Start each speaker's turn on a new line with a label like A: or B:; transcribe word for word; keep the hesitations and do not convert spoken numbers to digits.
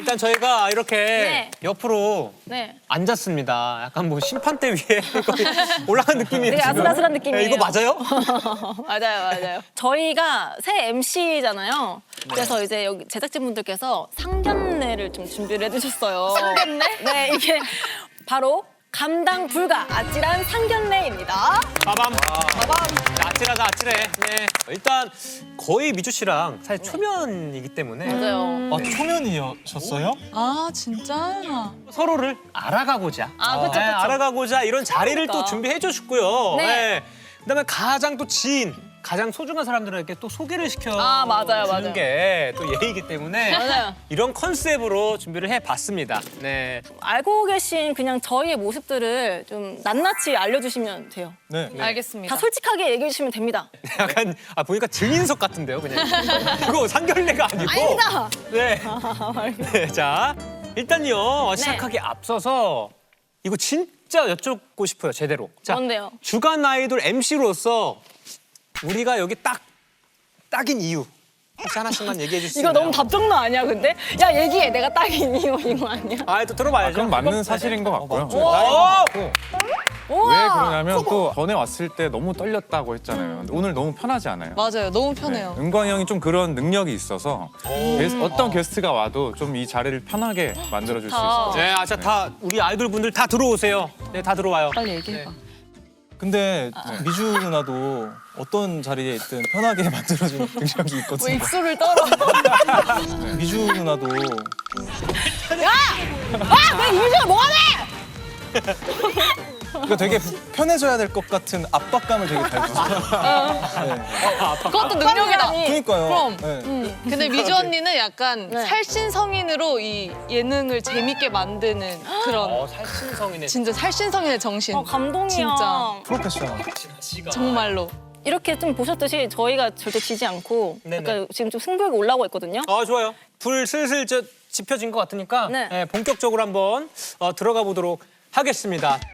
A: 일단 저희가 이렇게
B: 네.
A: 옆으로
B: 네.
A: 앉았습니다. 약간 뭐 심판대 위에 거의 올라간 느낌이에요.
B: 되게
A: 지금.
B: 아슬아슬한 느낌이에요.
A: 네, 이거 맞아요?
B: 맞아요, 맞아요. 저희가 새 엠씨잖아요. 그래서 이제 여기 제작진분들께서 상견례를 좀 준비를 해주셨어요.
C: 상견례?
B: 네, 이게 바로 감당 불가 아찔한 상견례입니다.
A: 빠밤. 빠밤. 아찔하다, 아찔해. 네. 일단 거의 미주 씨랑 사실 초면이기 때문에
B: 맞아요.
D: 아, 초면이셨어요?
C: 아 진짜?
A: 서로를 알아가고자.
B: 아, 그쵸,
A: 네,
B: 그쵸.
A: 알아가고자 이런 자리를
B: 그러니까.
A: 또 준비해 주셨고요.
B: 네.
A: 네. 그다음에 가장 또 지인, 가장 소중한 사람들에게 또 소개를 시켜
B: 아, 맞아요,
A: 주는
B: 맞아요.
A: 게 또 예의이기 때문에
B: 맞아요.
A: 이런 컨셉으로 준비를 해봤습니다. 네.
B: 알고 계신 그냥 저희의 모습들을 좀 낱낱이 알려주시면 돼요.
D: 네.
C: 알겠습니다.
B: 다 솔직하게 얘기해 주시면 됩니다.
A: 약간 아 보니까 증인석 같은데요, 그냥. 이거 상견례가 아니고.
B: 아니다.
A: 네. 네. 자, 일단요 시작하기 앞서서 이거 진짜 여쭙고 싶어요, 제대로. 자,
B: 뭔데요?
A: 주간 아이돌 엠씨로서 우리가 여기 딱 딱인 이유 혹시 하나씩만 얘기해 주실 수
B: 이거
A: 있나요?
B: 너무 답정너 아니야, 근데? 야, 얘기해. 내가 딱인 이유 이거 아니야?
A: 아, 또 들어봐야죠.
E: 그럼 맞는 사실인 것 같고요.
A: 오!
B: 우와!
E: 왜 그러냐면 또 전에 왔을 때 너무 떨렸다고 했잖아요. 근데 오늘 너무 편하지 않아요?
C: 맞아요. 너무 편해요.
E: 은광이 형이 좀 그런 능력이 있어서 게스- 어떤 게스트가 와도 좀 이 자리를 편하게 만들어줄 수 있을 것 같아요.
A: 네, 아, 자, 다 우리 아이돌 분들 다 들어오세요. 네, 다 들어와요.
C: 빨리 얘기해봐.
D: 근데 미주 누나도 어떤 자리에 있든 편하게 만들어주는 능력이
C: 왜
D: 있거든요.
C: 입술을 떨어?
D: 미주 누나도
B: 아! 내 이미지가 뭐하네!
D: 그러니까 되게 편해져야 될 것 같은 압박감을 되게 잘 주세요. 네.
C: 그것도 능력이다.
D: 그러니까요.
C: 그럼.
D: 네.
C: 근데 미주 언니는 약간
B: 네.
C: 살신성인으로 이 예능을 재밌게 만드는 그런
A: 어, 살신성이네.
C: 진짜 살신성인의 정신.
B: 어, 감동이야.
C: 진짜
D: 프로페셔널.
C: 정말로.
B: 이렇게 좀 보셨듯이 저희가 절대 지지 않고
A: 네네.
B: 약간 지금 좀 승부욕이 올라오고 있거든요.
A: 아, 좋아요. 불 슬슬 저 지펴진 것 같으니까
B: 네.
A: 네, 본격적으로 한번 어, 들어가 보도록 하겠습니다.